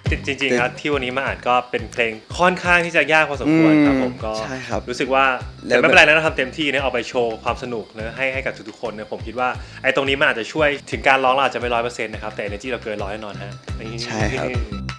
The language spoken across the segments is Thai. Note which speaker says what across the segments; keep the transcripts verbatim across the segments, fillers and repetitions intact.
Speaker 1: จริงๆครับที่วันนี้มาอ่านก็เป็นเพลงค่อนข้างที่จะยากพอสมควรครับผมก็รู้สึกว่าแต่ไม่เป็นไรนะเราทำเต็มที่นะเอาไปโชว์ความสนุกนะให้ให้กับทุกๆคนนะผมคิดว่าไอ้ตรงนี้มันอาจจะช่วยถึงการร้องเราอาจจะไม่ร้อยเปอร์เซ็นต์นะครับแต่ energy เราเกินร้อยแน่นอนฮะ
Speaker 2: ใช่ครับ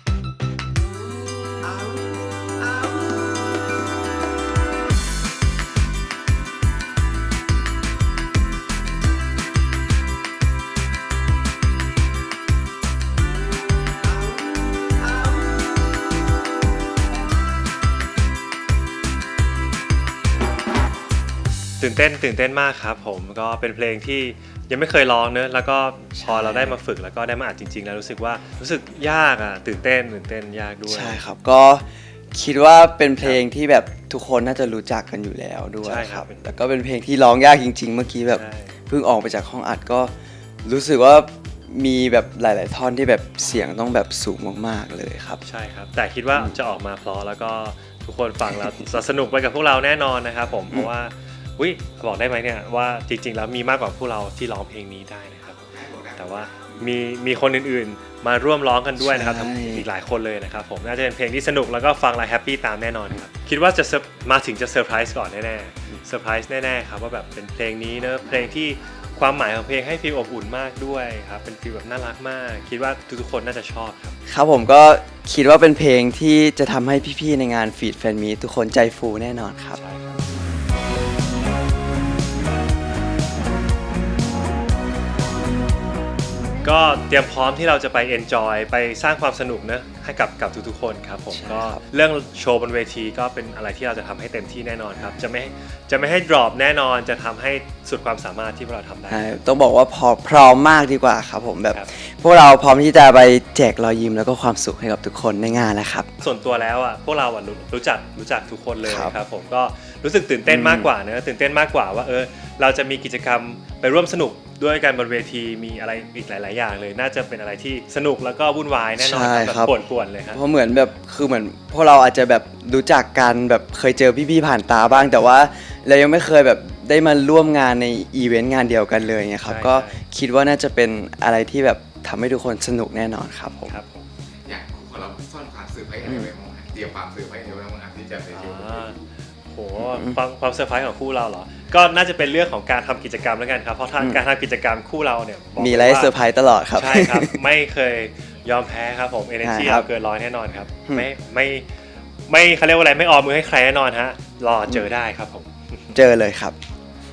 Speaker 1: ตื่นเต้นตื่นเต้นมากครับผมก็เป็นเพลงที่ยังไม่เคยร้องเนอะแล้วก็พอเราได้มาฝึกแล้วก็ได้มาอัดจริงๆแล้วรู้สึกว่ารู้สึกยากอ่ะตื่นเต้นตื่นเต้นยากด้วย
Speaker 2: ใช่ครับก็คิดว่าเป็นเพลงที่แบบทุกคนน่าจะรู้จักกันอยู่แล้วด้วยครับแล้วก็เป็นเพลงที่ร้องยากจริงๆเมื่อกี้แบบเพิ่งออกไปจากห้องอัดก็รู้สึกว่ามีแบบหลายๆท่อนที่แบบเสียงต้องแบบสูงมากๆเลยครับ
Speaker 1: ใช่ครับแต่คิดว่าจะออกมาเพราะแล้วก็ทุกคนฟังแล้วจะสนุกไปกับพวกเราแน่นอนนะครับผมเพราะว่าอุ้ยบอกได้ไหมเนี่ยว่าจริงๆแล้วมีมากกว่าพวกเราที่ร้องเพลงนี้ได้นะครับแต่ว่ามีมีคนอื่นๆมาร่วมร้องกันด้วยนะครับอีกหลายคนเลยนะครับผมน่าจะเป็นเพลงที่สนุกแล้วก็ฟังแล้วแฮปปี้ตามแน่นอนครับคิดว่าจะมาถึงจะเซอร์ไพรส์ก่อนแน่ๆเซอร์ไพรส์แน่ๆครับว่าแบบเป็นเพลงนี้เนอะเพลงที่ความหมายของเพลงให้ฟีลอบอุ่นมากด้วยครับเป็นฟีลแบบน่ารักมากคิดว่าทุกๆคนน่าจะชอบครับ
Speaker 2: ครับผมก็คิดว่าเป็นเพลงที่จะทำให้พี่ๆในงานฟีดแฟนมีทุกคนใจฟูแน่นอนครับ
Speaker 1: ก็เตรียมพร้อมที่เราจะไปเอนจอยไปสร้างความสนุกนะให้กับกับทุกๆคนครับผมก็เรื่องโชว์บนเวทีก็เป็นอะไรที่เราจะทำให้เต็มที่แน่นอนครับจะไม่จะไม่ให้ดรอปแน่นอนจะทำให้สุดความสามารถที่พวกเราทำได้
Speaker 2: ต้องบอกว่าพอพร้อมมากดีกว่าครับผมแบบพวกเราพร้อมที่จะไปแจกรอยยิ้มแล้วก็ความสุขให้กับทุกคนในงานแล้วครับ
Speaker 1: ส่วนตัวแล้วอ่ะพวกเราอ่ะรู้จักรู้จักทุกคนเลยครับผมก็รู้สึกตื่นเต้นมากกว่าเนอะตื่นเต้นมากกว่าว่าเออเราจะมีกิจกรรมไปร่วมสนุกด้วยกันบนเวทีมีอะไรอีกหลายๆอย่างเลยน่าจะเป็นอะไรที่สนุกแล้วก็วุ่นวายแน่นอนแบบป่วนๆเลยครับ
Speaker 2: เพราะเหมือนแบบคือเหมือนพวกเราอาจจะแบบรู้จักกันแบบเคยเจอพี่ๆผ่านตาบ้างแต่ว่าเรายังไม่เคยแบบได้มาร่วมงานในอีเวนต์งานเดียวกันเลยไงครับก็คิดว่าน่าจะเป็นอะไรที่แบบทำให้ทุกคนสนุกแน่นอนครับผม
Speaker 3: อย่างของเราซ่อนความเซอร์ไพรส์อะไรไว้บ้างเตรียมความเซอร์ไพรส์อะไรไว้บ้างที่จะไปโชว์
Speaker 1: โหความความเซอร์ไพรส์ของคู่เราเหรอก็น่าจะเป็นเรื่องของการทำกิจกรรมแล้วกันครับเพราะการทำกิจกรรมคู่เราเนี่ย
Speaker 2: มีอะไรเซอร์ไพรส์ตลอดครับ
Speaker 1: ใช่ครับไม่เคยยอมแพ้ครับผม energy เราเกินร้อยแน่นอนครับไม่ไม่ไม่เขาเรียกว่าอะไรไม่ออมมือให้ใครแน่นอนฮะรอเจอได้ครับผม
Speaker 2: เจอเลยครับ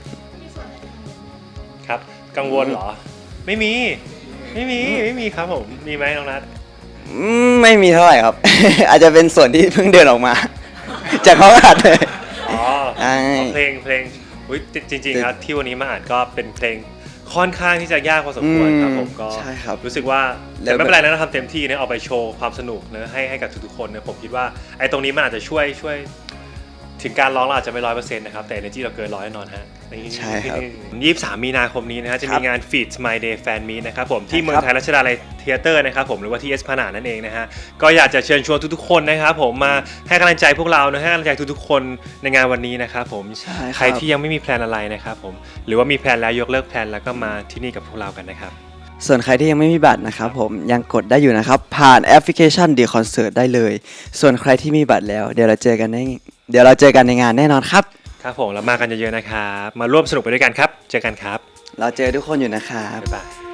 Speaker 1: ครับกังวลเหรอไม่มีไม่มีไม่มีครับผมมีไหมน้องนัท
Speaker 2: ไม่มีเท่าไหร่ครับอาจจะเป็นส่วนที่เพิ่งเดินออกมาจากห้องอัดเลย
Speaker 1: อ๋อเพลงเพลงจริงๆครับที่วันนี้มาอ่านก็เป็นเพลงค่อนข้างที่จะยากพอสมควรครับผมก็รู้สึกว่าแต่ไม่เป็นไรนะเราทำเต็มที่นะเอาไปโชว์ความสนุกนะให้ให้กับทุกๆคนนะผมคิดว่าไอ้ตรงนี้มันอาจจะช่วยช่วยถึงการร้องเราอาจจะไม่ร้อยเปอร์เซ็นต์นะครับแต่ energy เราเกินร้อยแน่นอนฮะ
Speaker 2: ใช่ครับ
Speaker 1: ยี่สิบสามมีนาคมนี้นะฮะจะมีงาน Feed My Day Fan Meet นะครับผมที่เมืองไทยรัชดาลัยเธียเตอร์นะครับผมหรือว่าที่เอสพนาดนั่นเองนะฮะก็อยากจะเชิญชวนทุกๆคนนะครับผมมาให้กำลังใจพวกเรานะให้กำลังใจทุกๆคนในงานวันนี้นะครับผมใครที่ยังไม่มีแพลนอะไรนะครับผมหรือว่ามีแพลนแล้วยกเลิกแพลนแล้วก็มาที่นี่กับพวกเรากันนะครับ
Speaker 2: ส่วนใครที่ยังไม่มีบัตรนะครับผมยังกดได้อยู่นะครับผ่านแอปพลิเคชัน The Concert ได้เลยส่วนใครที่มีบัตรแล้วเดี๋ยวเราเจอกันในเดี๋ยวเราเจอกันในงานแน่นอนครับ
Speaker 1: ครับผมแล้วมากันเยอะๆนะครับมาร่วมสนุกไปด้วยกันครับเจอกันครับ
Speaker 2: เราเจอทุกคนอยู่นะครับ
Speaker 1: บ๊ายบาย